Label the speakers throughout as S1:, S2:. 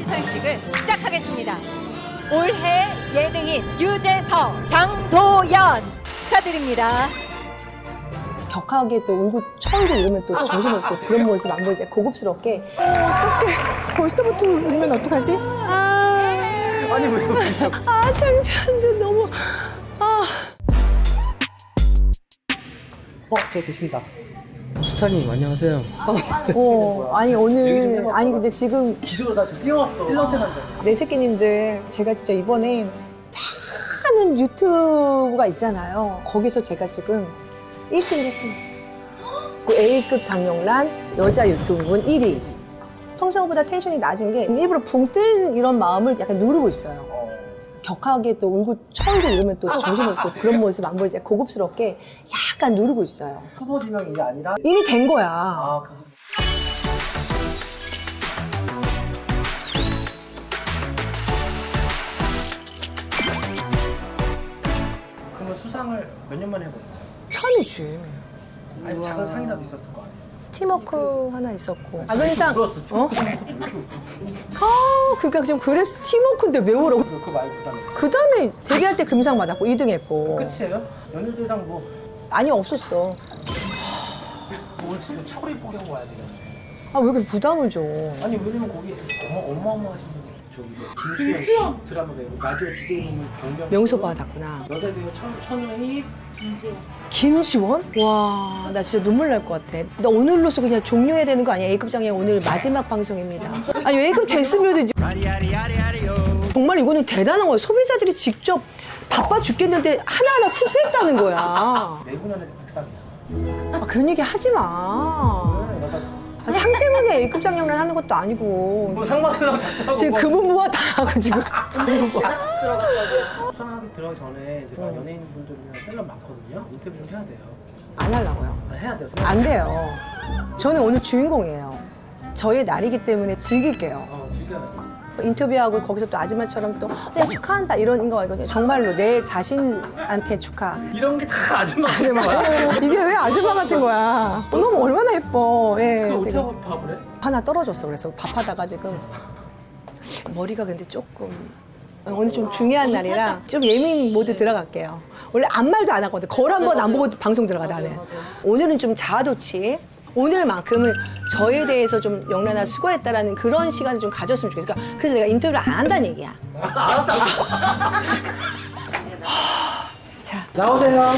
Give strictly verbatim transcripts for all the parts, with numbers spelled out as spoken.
S1: 시상식을 시작하겠습니다. 올해 예능인 유재석, 장도연 축하드립니다.
S2: 격하게 또 울고 철고 이러면 또 정신없고 그런 모습 안 보이지. 고급스럽게. 어, 어떡해. 벌써부터 울면 어떡하지? 아,
S3: 아니 왜 그러세요?
S2: 아 창피한데 너무. 아.
S3: 어, 저 계신다. 스타님 안녕하세요.
S2: 어, 아니 오늘 아니 근데 지금
S3: 기술로 나 좀 뛰어왔어. 찔러대는데.
S2: 내 새끼님들 제가 진짜 이번에 많은 유튜브가 있잖아요. 거기서 제가 지금 일 등을 했습니다. 그 A급 장영란 여자 유튜브는 일 위. 평소보다 텐션이 낮은 게 일부러 붕 뜰 이런 마음을 약간 누르고 있어요. 격하게 또 울고 철고 이러면 또 정신없고 그런 모습 안 보이지. 고급스럽게 약간 누르고 있어요.
S3: 후보 지명이 이게 아니라.
S2: 이미 된 거야.
S3: 아, 그. 그러면 수상을 몇 년 만에 해보는 거예요?
S2: 처음이지.
S3: 아니 작은 상이라도 있었을 거 아니에요?
S2: 팀워크 하나 있었고. 아근상.
S3: 들었어.
S2: 어? 아, 그러니까 좀 그랬어. 팀워크인데 왜 울어?
S3: 그 말고 그다음에.
S2: 그 다음에 데뷔할 때 금상 받았고 이 등 했고.
S3: 끝이에요? 연예대상 뭐
S2: 아니 없었어.
S3: 오늘 지금 차고리 이쁘게 하고 와야 돼요.
S2: 아 왜 이렇게 부담을 줘?
S3: 아니 왜냐면 거기 어마 어마어마하신 분 저기 뭐 김수현 씨 드라마 배우 라디오 디제이 보면 경명
S2: 명소 받았구나.
S3: 여자 배우 천 천은희
S2: 김지원? 와, 나 진짜 눈물 날 것 같아. 나 오늘로서 그냥 종료해야 되는 거 아니야? A급 장애 오늘 마지막 방송입니다. 아니 A급 됐으면 이제 정말 이거는 대단한 거야. 소비자들이 직접 바빠 죽겠는데 하나하나 투표했다는 거야.
S3: 내후년에 백상이야.
S2: 아, 그런 얘기 하지 마. 아, 상 때문에 A급 장영란 하는 것도 아니고.
S3: 뭐 상마대랑 작자고
S2: 지금 금은무화 다 하고 지금.
S3: 수상하게 들어가기 전에 이제 다 연예인분들이랑 셀럽 많거든요. 인터뷰 좀 해야 돼요.
S2: 안 하려고요.
S3: 아, 해야 돼요.
S2: 안 돼요. 저는 오늘 주인공이에요. 저의 날이기 때문에 즐길게요.
S3: 어, 즐겨요.
S2: 인터뷰하고 거기서 또 아줌마처럼 또 네, 축하한다 이런 거 아니거든요. 정말로 내 자신한테 축하.
S3: 이런 게 다 아줌마
S2: 아줌마.
S3: 아줌마.
S2: 이게 왜 아줌마 같은 거야? 어, 너무 얼마나 예뻐. 예,
S3: 그 어떻게
S2: 지금
S3: 밥을 해?
S2: 하나 떨어졌어. 그래서 밥하다가 지금 머리가 근데 조금 오늘 좀 중요한 날이라 좀 예민 모드 들어갈게요. 원래 아무 말도 안 하거든. 거울 한 번 안 보고 방송 들어가 나는. 오늘은 좀 자아도취. 오늘만큼은 저에 대해서 좀 영란아 수고했다라는 그런 시간을 좀 가졌으면 좋겠어. 그러니까 그래서 내가 인터뷰를 안 한다는 얘기야.
S3: 알았다고.
S2: 자,
S3: 나오세요.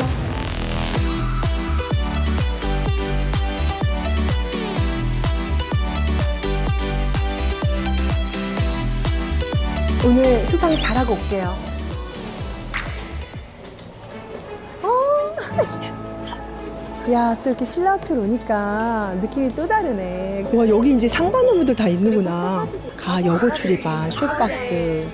S2: 오늘 수상 잘하고 올게요. 어, 야, 또 이렇게 신라호텔 오니까 느낌이 또 다르네. 와, 여기 이제 상 받는 분들 다 있는구나. 가, 여고 출입반, 쇼박스.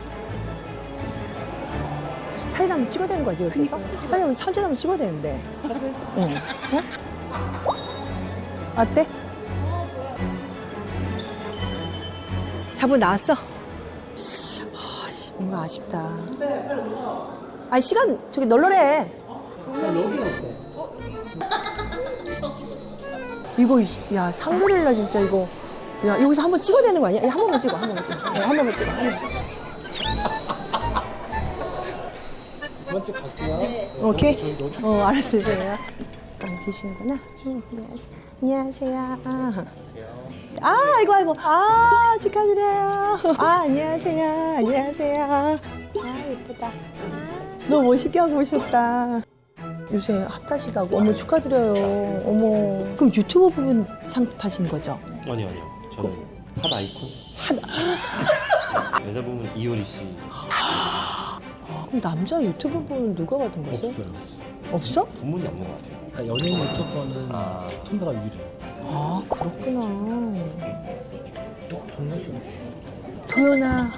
S2: 사진 한번 찍어야 되는 거야, 여기서? 사진 한번, 사진 한번 찍어야 되는데. 사진? 응. 어? 어때? 자본 나왔어? 아, 씨, 뭔가 아쉽다. 아니, 시간 저기 널널해.
S3: 여기는 어때?
S2: 이거, 야, 상그릴라 진짜 이거. 야, 여기서 한번 찍어야 되는 거 아니야? 야, 한 번만 찍어, 한 번만 찍어. 야, 한 번만 찍어. 한 번만.
S3: 두 번째 갈게요.
S2: 오케이? 어, 알았어, 선생님. 안 계시는구나. 안녕하세요. 안녕하세요. 아, 아이고, 아이고. 아, 축하드려요. 아, 안녕하세요. 안녕하세요. 아, 예쁘다. 너무 멋있게 하고 오셨다. 요새 핫하시다고. 어머, 축하드려요. 어머. 그럼 유튜브 부분 상 타시는 거죠?
S4: 아니요 아니요 저는 핫 아이콘 여자 부분 이효리 씨
S2: 그럼 남자 유튜브 부분 누가 받은 거죠?
S4: 없어요.
S2: 없어?
S4: 부문이 없는 것 같아요.
S3: 그러니까 연예인 유튜버는
S4: 아.
S3: 선배가 유리해요.
S2: 아, 그렇구나.
S3: 어? 정말 좀.
S2: 도연아,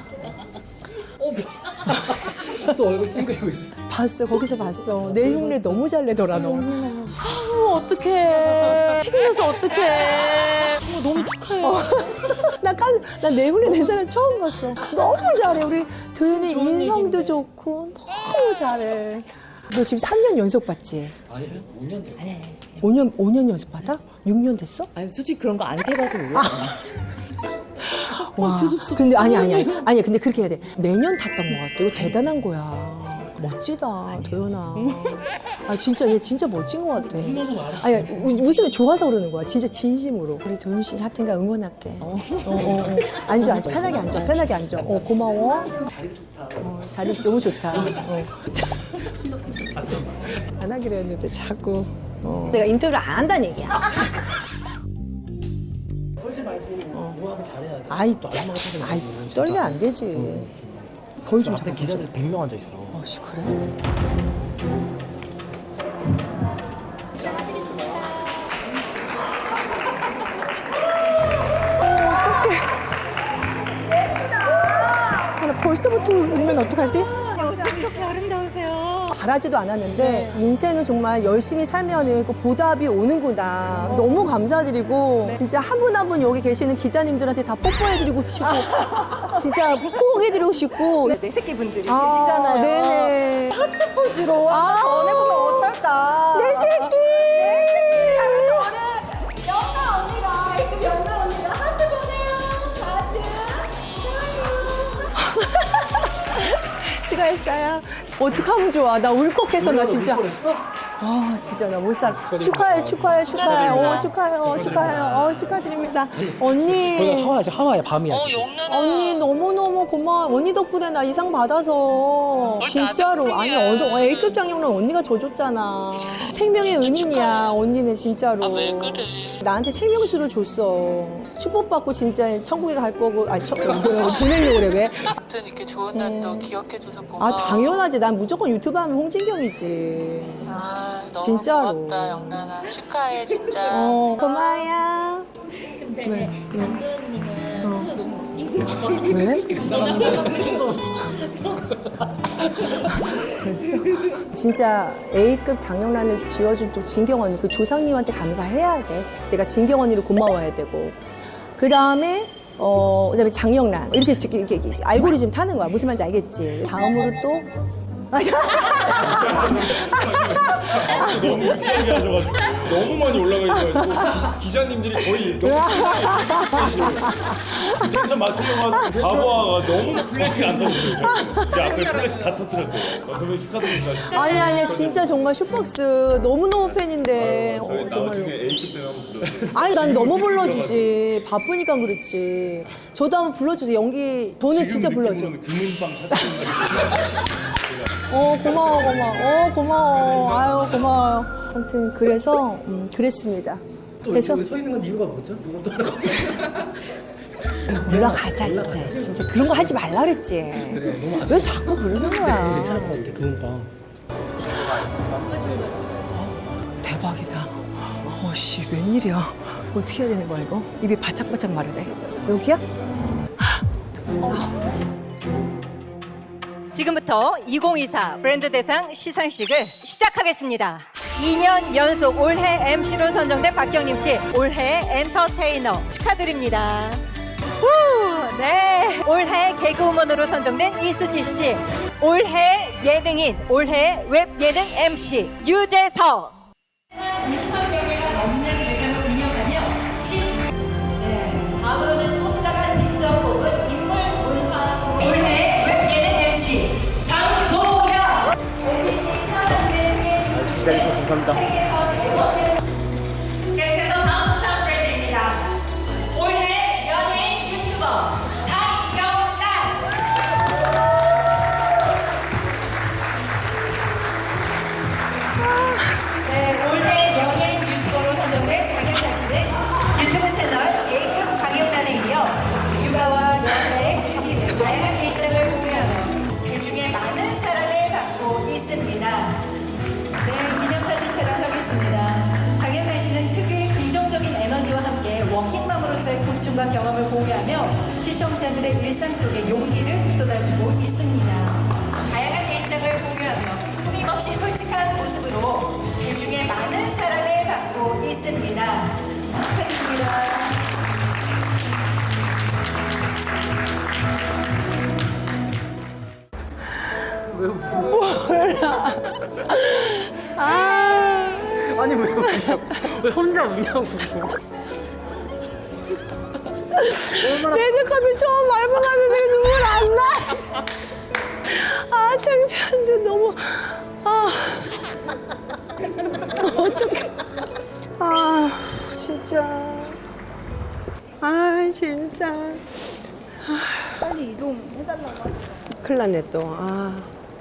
S3: 또 얼굴 찡그리고 있어.
S2: 봤어. 거기서 봤어. 내 흉내 너무 잘 내더라, 너.
S1: 어머, 어떡해. 피곤해서 어떡해. 어머, 너무 축하해.
S2: 나 깐, 나내 흉내 낸 사람 처음 봤어. 너무 잘해. 우리 도연이 인성도 좋고 너무 잘해. 너 지금 삼 년 연속 받지?
S3: 아니요, 오 년 됐어요.
S2: 오 년, 오 년 연속 받아? 육 년 됐어?
S5: 아니 솔직히 그런 거 안 세봐서 몰라.
S2: 와, 근데 아니 아니 아니 아니 근데 그렇게 해야 돼. 매년 탔던 것 같아. 이거 대단한 거야. 멋지다, 도연아. 아 진짜 얘 진짜 멋진 것 같아.
S3: 웃으면서 말했어.
S2: 아니 우- 웃으면 좋아서 그러는 거야. 진짜 진심으로. 우리 도연 씨 하여튼가 응원할게. 어, 어, 어. 앉아 앉아 편하게 앉아 편하게 앉아. 어 고마워.
S3: 자리 좋다.
S2: 어, 자리 너무 좋다. 어. 안 하기로 했는데 자꾸. 어. 내가 인터뷰를 안 한다는 얘기야.
S3: 떨지 말고 우아하게 잘해야 돼.
S2: 아이,
S3: 또 아줌마가 찾아내.
S2: 아이 떨면 안 되지. 거의 좀
S3: 앞에
S2: 잡아.
S3: 기자들 백 명 앉아 있어.
S2: 어씨 그래? 아, 벌써부터 울면 어떡하지?
S1: 이렇게 아름다우세요.
S2: 바라지도 않았는데 인생은 정말 열심히 살면 그 보답이 오는구나. 너무 감사드리고 진짜 한 분 한 분 여기 계시는 기자님들한테 다 뽀뽀해드리고 싶고 진짜 포옹해드리고 싶고
S1: 내 새끼 분들이
S2: 아,
S1: 계시잖아요.
S2: 네네.
S1: 하트 포즈로
S2: 아.
S1: 한번 전해보면 어떨까?
S2: 내 새끼!
S1: 연나 언니가 이쪽 연나 언니가 하트 보내요. 하트.
S2: 수고했어요. 어떡하면 좋아. 나 울컥해서 나 진짜.
S3: 했어?
S2: 아 진짜 나 못 살아. 축하해 축하해 축하해. 어 축하해 어 축하해. 어 축하드립니다.
S3: 거기가
S2: 언니.
S3: 하와야 지금 하와야 밤이야. 지금.
S2: 언니 너무너무 고마워. 언니 덕분에 나 이상 받아서 진짜로 아니 어, A급 장영란 언니가 줘줬잖아. 생명의 은인이야 언니는 진짜로.
S5: 왜 그래?
S2: 나한테 생명수를 줬어. 축복받고 진짜 천국에 갈 거고 아니 천, 보내려고 그래 왜?
S5: 아무튼 이렇게 좋은 날도
S2: 음.
S5: 기억해줘서 고마워.
S2: 아 당연하지. 난 무조건 유튜브 하면 홍진경이지.
S5: 아, 너무
S2: 진짜로.
S5: 고맙다 영란아. 축하해 진짜.
S2: 어 고마워요.
S6: 근데
S2: 왜?
S6: 장도연님은
S2: 어.
S6: 소리 너무 웃기고
S2: 왜? 진짜 A급 장영란을 지어준 또 진경 언니, 그 조상님한테 감사해야 돼. 제가 진경 언니를 고마워해야 되고. 그 다음에, 어, 그 다음에 장영란. 이렇게, 이렇게, 이렇게, 이렇게 알고리즘 타는 거야. 무슨 말인지 알겠지? 다음으로 또.
S7: 너무 유쾌하게 하셔가지고 너무 많이 올라가 있어가지고 기, 기자님들이 거의 너무 텐션 맞추려고 하는 바보아가 너무 플래시가 안 터졌어요. 저는. 이 앞에 플래시 다 터뜨렸대요. 어, 선배님 축하드립니다. 진짜.
S2: 아니, 아니, 진짜 정말 슈퍼스. 너무너무 팬인데.
S7: 저희
S2: 어, 정말로.
S7: 나중에 A급 때문에 한번 불러주세요.
S2: 아니, 난 너무 불러주지. 바쁘니까 그렇지. 저도 한번 불러주세요. 연기, 저는 진짜 불러줘.
S7: 지금 느낌으로는 금은방 찾아주는
S2: 어 고마워 고마워 어 고마워 아유 고마워요. 아무튼 그래서 음, 그랬습니다.
S3: 또
S2: 그래서
S3: 여기 서 있는 건 이유가 뭐죠? 그것도 하나
S2: 올라가자 진짜 진짜 그런 거 하지 말라 그랬지.
S3: 그래 너무 아쉽다.
S2: 왜 자꾸 그러는 거야.
S3: 괜찮을 것 같아. 금은방.
S2: 대박이다. 어씨 웬일이야. 어떻게 해야 되는 거야 이거? 입이 바짝바짝 마르네. 여기야?
S1: 지금부터 이천이십사 브랜드 대상 시상식을 시작하겠습니다. 이 년 연속 올해 엠시로 선정된 박경림 씨, 올해 엔터테이너 축하드립니다. 후, 네. 올해 개그우먼으로 선정된 이수지 씨, 올해 예능인, 올해 웹 예능 엠씨 유재석. 육천 명가 넘는 대장을 운영하며 십. 네. 다음으로는 소비자가 직접 뽑은 인물 문화 올해 웹 예능 엠씨 장도연. 엠비씨
S3: 기다리셔서 감사합니다.
S1: 계속해서 다음 수상 브랜드입니다. 올해 연예인 유튜버 장영란. 네, 올해 연예인 유튜버로 선정된 장영란 씨는 유튜브 채널 A급 장영란에 이어 육아와 연애, 뷰티 등 다양한 일상을 공유하며 그중에 많은 사랑을 받고 있습니다. 네, 기념사진 촬영하겠습니다. 장영란 씨는 특유의 긍정적인 에너지와 함께 워킹맘으로서의 고충과 경험을 공유하며 시청자들의 일상 속에 용기를 북돋아주고 있습니다. 다양한 일상을 공유하며 끊임없이 솔직한 모습으로 그중에 많은 사랑을 받고 있습니다. 축하드립니다.
S2: 아
S3: 아니 왜 웃냐고. 왜 혼자 우냐고.
S2: 레드카펫 처음 밟아봤는데 눈물 안 나. 아 창피한데 너무 아 어떡해. 아 진짜 아 진짜
S8: 빨리 이동해달라고.
S2: 큰일 났네 또. 아.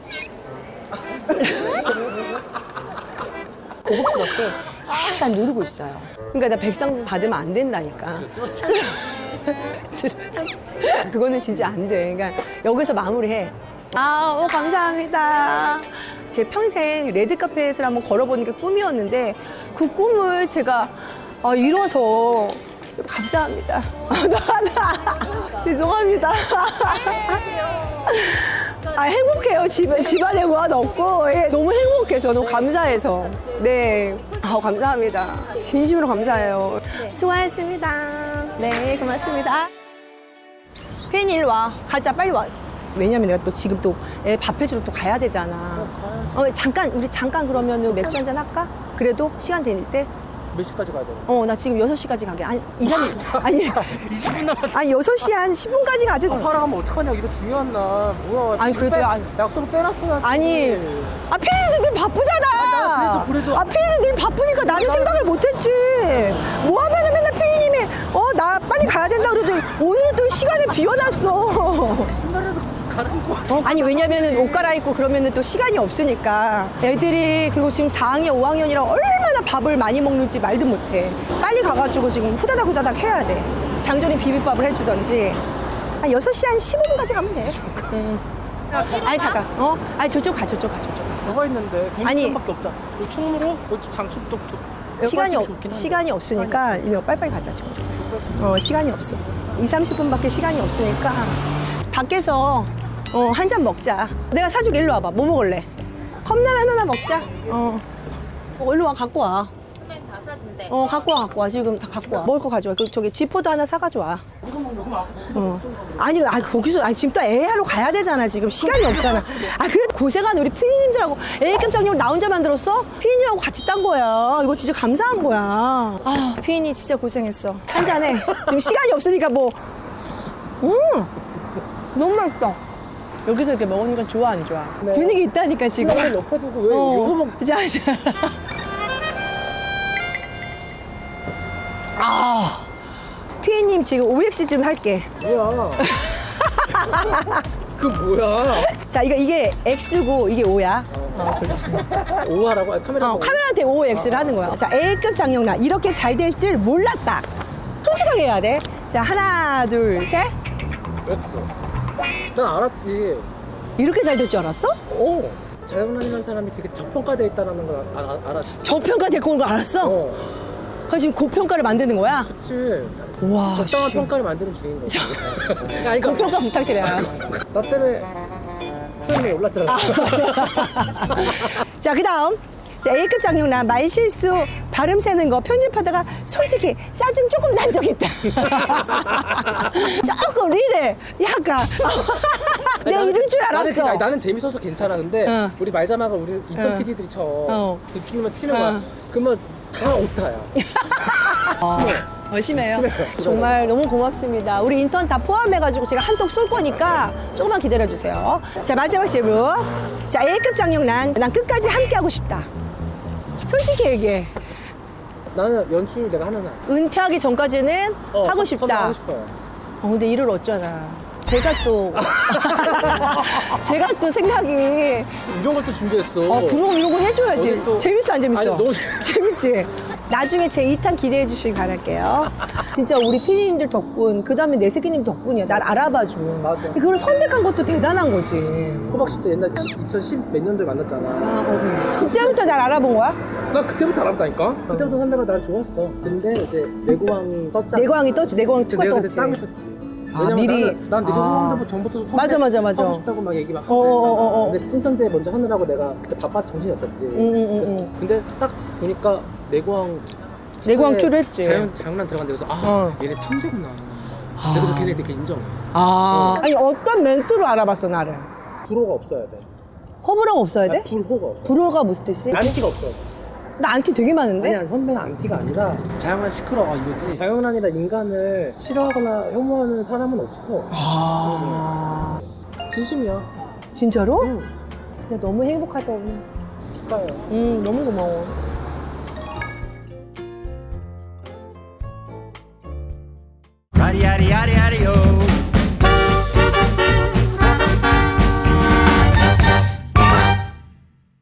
S2: 고급스럽게 약간 누르고 있어요. 그러니까 나 백상 받으면 안 된다니까. 쓰러지. 그거는 진짜 안 돼. 그러니까 여기서 마무리해. 아, 오, 감사합니다. 제 평생 레드카펫을 한번 걸어보는 게 꿈이었는데 그 꿈을 제가 아, 이뤄서 감사합니다. 나, 나, 죄송합니다. 아, 행복해요. 집, 집안에 무한 없고. 예, 너무 행복해서, 너무 감사해서. 네. 아, 감사합니다. 진심으로 감사해요. 수고하셨습니다. 네, 고맙습니다. 팬 일 와. 가자, 빨리 와. 왜냐면 내가 또 지금 또 애 밥 해주러 또 가야 되잖아. 어, 잠깐, 우리 잠깐 그러면 맥주 한잔 할까? 그래도 시간 되닐 때?
S3: 몇 시까지 가야 되나?
S2: 어, 나 지금 여섯 시까지 가게. 아니, 이, 삼, 아니,
S3: 이십 분 남았어.
S2: 아니, 여섯 시 한 십 분까지 가도.
S3: 허락하면 어떡하냐? 이거 중요한 날. 뭐야?
S2: 아니, 그래도
S3: 빼-
S2: 아니-
S3: 약속을 빼놨어야지.
S2: 아니, 아, 피디님들 늘 바쁘잖아.
S3: 나 그래도- 그래도-
S2: 아, 피디님 늘 바쁘니까 나는 생각을 못했지. 뭐 하면은 맨날 피디님이, 어, 나 빨리 가야 된다 그러더니 오늘은 또 시간을 비워놨어.
S3: 신발에도 가르칠 거 같아.
S2: 어, 아니, 왜냐면은 옷 갈아입고 그러면은 또 시간이 없으니까. 애들이, 그리고 지금 사 학년, 오 학년이라 얼마나 밥을 많이 먹는지 말도 못해. 빨리 가가지고 지금 후다닥 후다닥 해야 돼. 장조림 비빔밥을 해주던지. 한 여섯 시 한 십오 분까지 가면 돼. 응. 아니, 잠깐. 어? 아니, 저쪽 가, 저쪽 가, 저쪽 가.
S3: 뭐가 있는데?
S2: 아니.
S3: 국물밖에 없잖아. 이거 충무로? 이거 장축도
S2: 시간이, 없, 시간이 없으니까 이거 빨리빨리 가자 지금. 어, 시간이 없어. 이, 삼십 분밖에 시간이 없으니까 밖에서 어, 한 잔 먹자. 내가 사줄게. 일로 와봐. 뭐 먹을래? 컵라면 하나 먹자. 어. 어, 일로 와. 갖고 와.
S6: 선배님 다 사준대.
S2: 어, 갖고 와, 갖고 와. 지금 다 갖고 와. 먹을 거 가져와. 그, 저기 지포도 하나 사가지고 와.
S3: 이거 먹는 거
S2: 어. 아니, 아니, 거기서, 아니, 지금 또 애 하러 가야 되잖아. 지금 시간이 없잖아. 아, 그래도 고생한 우리 피디님들하고 애 깜짝이야. 나 혼자 만들었어? 피디님하고 같이 딴 거야. 이거 진짜 감사한 거야. 아, 피디님 진짜 고생했어. 한 잔해. 지금 시간이 없으니까 뭐. 음! 너무 맛있다. 여기서 이렇게 먹으니까 좋아, 안 좋아?
S3: 네.
S2: 분위기 있다니까, 지금.
S3: 이거 옆에 두고 왜
S2: 어.
S3: 여기서 먹
S2: 자, 자. 아. 피디님 지금 오엑스 좀 할게.
S3: 뭐야? 그 뭐야?
S2: 자, 이거 이게 X고 이게 O야.
S3: 오하라고? 아니, 카메라
S2: 어,
S3: 보고.
S2: 카메라한테 O, X를 하는 거야. 자, A급 장영란. 이렇게 잘 될 줄 몰랐다. 솔직하게 해야 돼. 자, 하나, 둘, 셋.
S3: 그랬어. 난 알았지.
S2: 이렇게 잘 될 줄 알았어?
S3: 어. 자영란이라는 사람이 되게 저평가되어 있다는 걸 아, 아, 알았지.
S2: 저평가 됐고 온거 알았어?
S3: 어.
S2: 그래서 지금 고평가를 만드는 거야?
S3: 그치.
S2: 와,
S3: 적당한
S2: 씨.
S3: 평가를 만드는 중인 거지.
S2: 아니, 고평가 부탁드려요.
S3: 나 때문에 수염이 올랐잖아.
S2: 자, 그 다음. 자, A급 장영란 말실수 발음 세는 거 편집하다가 솔직히 짜증 조금 난 적 있다. 조금 리를 약간 내가 이럴 줄
S3: 나는,
S2: 알았어.
S3: 아니, 나는 재밌어서 괜찮아. 근데
S2: 어.
S3: 우리 말자마가 우리 인턴
S2: 어.
S3: 피디들이 쳐.
S2: 어.
S3: 듣기만 치는 거야.
S2: 어.
S3: 그러면 다 오타야. 심해.
S2: 어, 심해요.
S3: 심해요.
S2: 정말 너무 고맙습니다. 우리 인턴 다 포함해가지고 제가 한턱 쏠 거니까 조금만 기다려주세요. 자, 마지막 질문. 자, A급 장영란. 난 끝까지 함께하고 싶다. 솔직히 얘기해.
S3: 나는 연출 내가 하면 안.
S2: 은퇴하기 전까지는
S3: 어,
S2: 하고
S3: 컴-
S2: 싶다.
S3: 하고 싶어요.
S2: 어, 근데 일을 어쩌나. 제가 또, 제가 또 생각이,
S3: 이런 걸 또 준비했어.
S2: 어, 그럼 이런 거 해줘야지.
S3: 오늘 또-
S2: 재밌어, 안 재밌어?
S3: 아니, 너무
S2: 재밌지? 나중에 제 이 탄 기대해 주시기 바랄게요. 진짜 우리 피디님들 덕분, 그 다음에 내 새끼님 덕분이야. 날 알아봐준.
S3: 맞아.
S2: 그걸 선택한 것도 대단한 거지.
S3: 호박씨 때 옛날 이천십 몇 년도에 만났잖아.
S2: 아, 어, 어. 그때부터 날 알아본 거야?
S3: 난 그때부터 알았다니까? 그때부터 선배가 난 좋았어. 근데 이제 내고왕이 떴잖아.
S2: 내광이 떴지, 내광 투가
S3: 내가 그때
S2: 떴지.
S3: 땅을 쳤지.
S2: 아,
S3: 왜냐면
S2: 미리.
S3: 나는, 난
S2: 아.
S3: 내고왕 전부터 선배
S2: 맞아, 맞아, 맞아.
S3: 하고 싶다고 막 얘기 막
S2: 어,
S3: 하고
S2: 어,
S3: 했잖아.
S2: 어, 어.
S3: 근데 찐천재 먼저 하느라고 내가 그때 바빠 정신이 없었지.
S2: 응, 응, 응, 응.
S3: 근데 딱 보니까 내고왕
S2: 내고왕
S3: 투에
S2: 투를 했지.
S3: 자연, 장난 들어간 데서 아
S2: 어.
S3: 얘네 천재구나.
S2: 아.
S3: 그래서 걔네 되게 인정해.
S2: 아. 아니, 어떤 멘트로 알아봤어, 나를?
S3: 불호가 없어야 돼.
S2: 호불호가 없어야 돼?
S3: 아, 불호가 없어.
S2: 불호가 무슨 뜻이?
S3: 난티가 없어야 돼.
S2: 나 안티 되게 많은데?
S3: 아니야 선배는 안티가 아니라 자영란 시끄러워 이거지. 자영란이라 인간을 싫어하거나 혐오하는 사람은 없어.
S2: 아.
S3: 진심이야.
S2: 진짜로?
S3: 응.
S2: 그냥 너무 행복하다 오늘.
S3: 축하해요.
S2: 응, 너무 고마워.
S9: Yaddy yaddy yaddy yaddy yo.